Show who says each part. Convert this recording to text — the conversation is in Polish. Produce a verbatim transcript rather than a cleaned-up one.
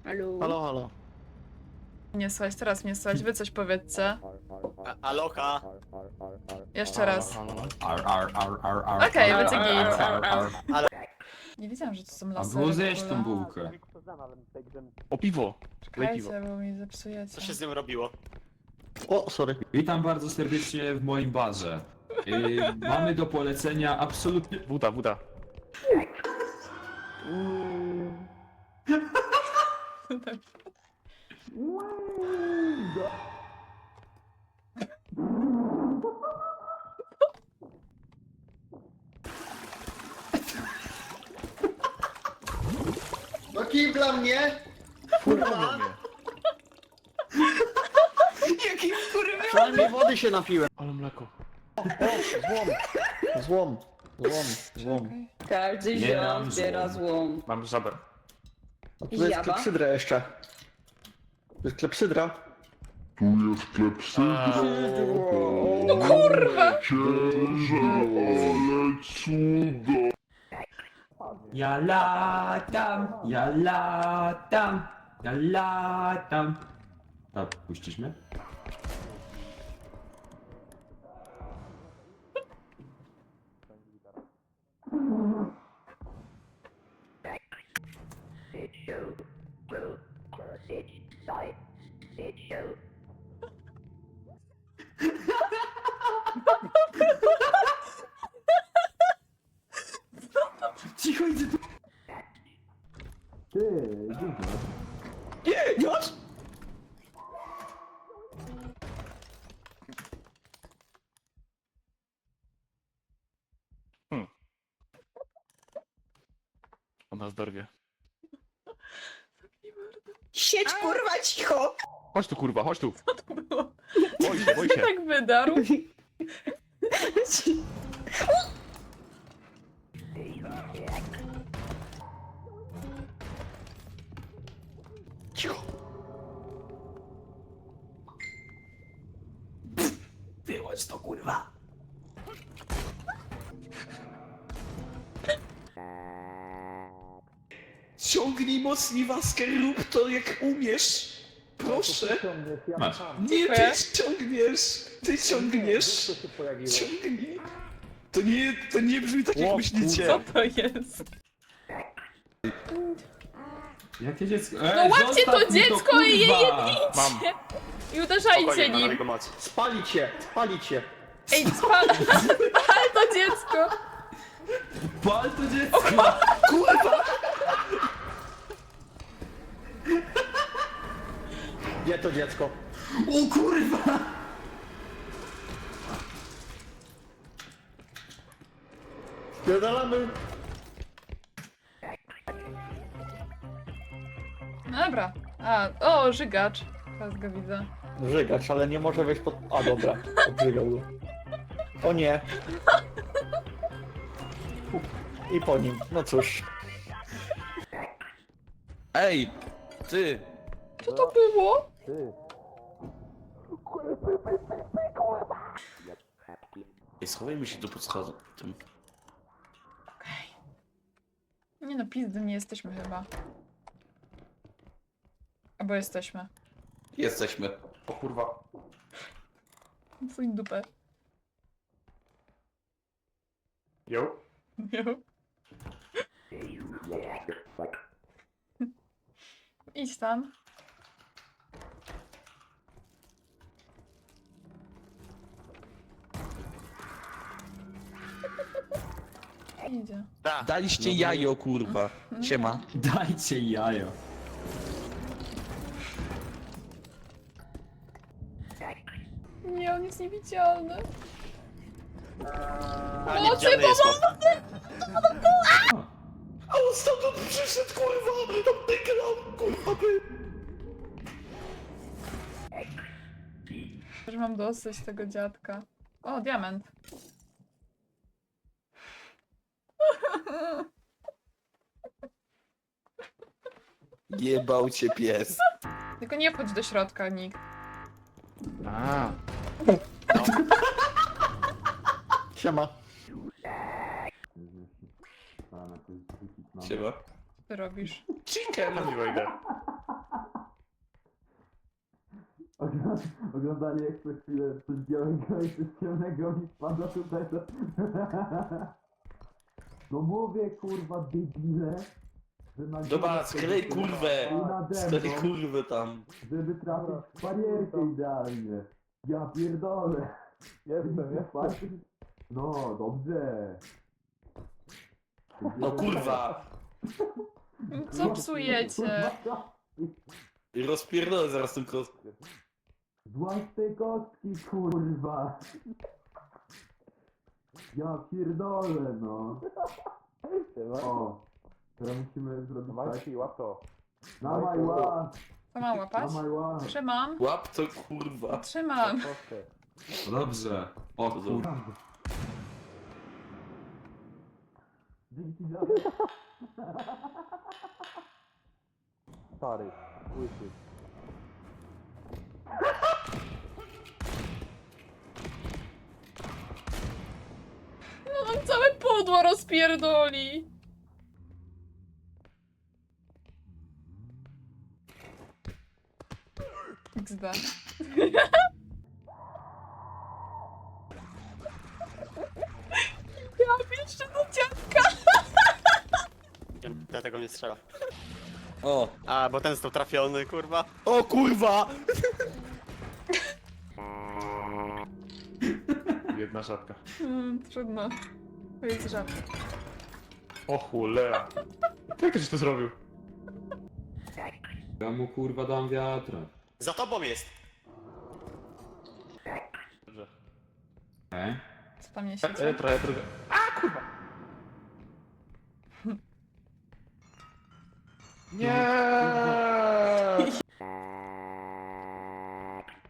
Speaker 1: Halo?
Speaker 2: Halo, halo.
Speaker 3: Nie słychać, teraz mnie słychać. Wy coś powiedzcie.
Speaker 2: A, aloha.
Speaker 3: Jeszcze raz.
Speaker 2: Halo, halo.
Speaker 4: Ar, ar, ar, ar, ar,
Speaker 3: Okej,
Speaker 4: ar,
Speaker 3: będzie
Speaker 4: ar,
Speaker 3: git.
Speaker 4: ar, ar, ar.
Speaker 3: Nie wiedziałam, że to są
Speaker 4: A
Speaker 3: lasery.
Speaker 4: było
Speaker 3: w
Speaker 4: zjeść
Speaker 3: ogóle.
Speaker 4: tą bułkę.
Speaker 2: O piwo. Daj piwo.
Speaker 3: Czekajcie, bo mi zepsujecie.
Speaker 2: Co się z nim robiło?
Speaker 5: O, sorry.
Speaker 4: Witam bardzo serdecznie w moim barze. Yy, mamy do polecenia absolutnie...
Speaker 2: Woda, woda.
Speaker 5: No kij dla mnie!
Speaker 2: Kurwa mnie.
Speaker 4: Jaki kurwa!
Speaker 5: Przynajmniej wody się napiłem.
Speaker 2: Ale mleko.
Speaker 5: O, złom. Złom. Złom. Złom.
Speaker 3: Okej.
Speaker 1: Każdy
Speaker 4: Nie
Speaker 1: ziom
Speaker 4: mam
Speaker 1: zbiera
Speaker 4: złom.
Speaker 1: złom.
Speaker 2: Mam żabę.
Speaker 5: A tu jest
Speaker 1: Jaba?
Speaker 5: klepsydra jeszcze. Tu jest klepsydra.
Speaker 6: Tu jest klepsydra.
Speaker 3: No kurwa!
Speaker 6: Księże, ale cudo.
Speaker 4: Ja latam, ja latam, ja latam. A, puścisz mnie? Cicho, idzie tu. Ty, dziękuję.
Speaker 5: Nie, już!
Speaker 2: Ona zdorwie.
Speaker 1: Siedź kurwa cicho!
Speaker 2: Chodź tu kurwa, chodź tu.
Speaker 3: Co to było?
Speaker 2: Boj się, boj się.
Speaker 3: Tak wydarł.
Speaker 5: Cicho.
Speaker 4: Wyłącz to kurwa.
Speaker 7: Ciągnij mocniej Wasker, rób to jak umiesz. Proszę.
Speaker 4: Masz.
Speaker 7: Nie,
Speaker 3: Dziękuję.
Speaker 7: ty ciągniesz. Ty ciągniesz.
Speaker 5: Co się pojawiło?
Speaker 7: Ciągnij. To nie, to nie brzmi tak
Speaker 2: O,
Speaker 7: jak myślicie.
Speaker 3: Co to jest?
Speaker 4: Jakie dziecko?
Speaker 3: No
Speaker 4: Ej,
Speaker 3: łapcie
Speaker 4: zostaw
Speaker 3: to
Speaker 4: mi
Speaker 3: dziecko i je
Speaker 4: kurwa!
Speaker 2: Mam.
Speaker 3: I uderzajcie
Speaker 2: Spokojnie, mam na
Speaker 3: nim.
Speaker 2: niego moc.
Speaker 5: Spalić się, spalić się.
Speaker 3: Ej, spal, spal to dziecko.
Speaker 4: Pal to dziecko!
Speaker 5: Gdzie to dziecko?
Speaker 4: O kurwa!
Speaker 5: Spierdalamy.
Speaker 3: Dobra. A, o, żygacz. Teraz go widzę.
Speaker 5: Żygacz, ale nie może wejść pod... A dobra, odżygał go. O nie. I po nim, no cóż.
Speaker 7: Ej, ty.
Speaker 3: Co to było?
Speaker 7: Ej, schowajmy się tu pod schodem. Tym.
Speaker 3: Nie no, pizdy nie jesteśmy chyba. Albo jesteśmy.
Speaker 7: Jesteśmy.
Speaker 2: O kurwa.
Speaker 3: Twój dupę.
Speaker 2: Jo.
Speaker 3: Jo. Idź tam. Idzie.
Speaker 2: Da.
Speaker 7: Daliście jajo, kurwa. Siema.
Speaker 4: Dajcie jajo.
Speaker 3: Nie, on jest niewidzialny.
Speaker 2: A,
Speaker 3: Mocy,
Speaker 2: niewidzialny jest chłop.
Speaker 7: A on stamtąd przyszedł, kurwa. Tam wygrał, kurwa, by.
Speaker 3: Już mam dosyć tego dziadka. O, diament.
Speaker 7: Jebał cię pies.
Speaker 3: Tylko nie wchodź do środka, nikt.
Speaker 2: A.
Speaker 5: Siema.
Speaker 7: Siema.
Speaker 3: Ty robisz.
Speaker 7: Chicken.
Speaker 2: Tam nie wejdę.
Speaker 8: Oglądali jak przez chwilę coś białego i coś ciemnego mi spada tutaj to... No mówię kurwa debile, że na
Speaker 7: Dobra,
Speaker 8: górę
Speaker 7: sklej
Speaker 8: sobie
Speaker 7: kurwę!
Speaker 8: i nade
Speaker 7: Sklej
Speaker 8: mną,
Speaker 7: kurwę tam.
Speaker 8: żeby trafić w barierkę idealnie. Ja pierdolę.
Speaker 5: Jestem, jestem.
Speaker 8: No, dobrze.
Speaker 7: No kurwa!
Speaker 3: Co psujecie?
Speaker 7: I rozpierdolę zaraz tą kostkę.
Speaker 8: Złaź tej kostki, kurwa. Ja pierdolę, no. O, teraz musimy zrobić tak.
Speaker 5: Majki, łap to.
Speaker 8: Dawaj, łap,
Speaker 3: Co mam łapać?
Speaker 8: dawaj, łap.
Speaker 3: Trzymam.
Speaker 7: Łap to kurwa.
Speaker 3: Trzymam.
Speaker 5: Kostkę.
Speaker 4: No dobrze. O kurwa.
Speaker 8: Dzięki za...
Speaker 5: Stary, łysy.
Speaker 3: No on całe pudło rozpierdoli. iks de. Ja jeszcze do dziadka.
Speaker 9: Dlatego mnie strzela.
Speaker 7: O!
Speaker 9: A, bo ten został trafiony, kurwa.
Speaker 7: O kurwa!
Speaker 2: Jedna żabka.
Speaker 3: Hmm, trudno. To jest żart.
Speaker 2: O cholera. Jak żeś to zrobił?
Speaker 4: Ja mu kurwa dam wiatra.
Speaker 9: Za tobą jest!
Speaker 4: E?
Speaker 3: Co tam nie
Speaker 2: E,
Speaker 3: siedzi?
Speaker 2: trochę, trochę. A kurwa! Nie!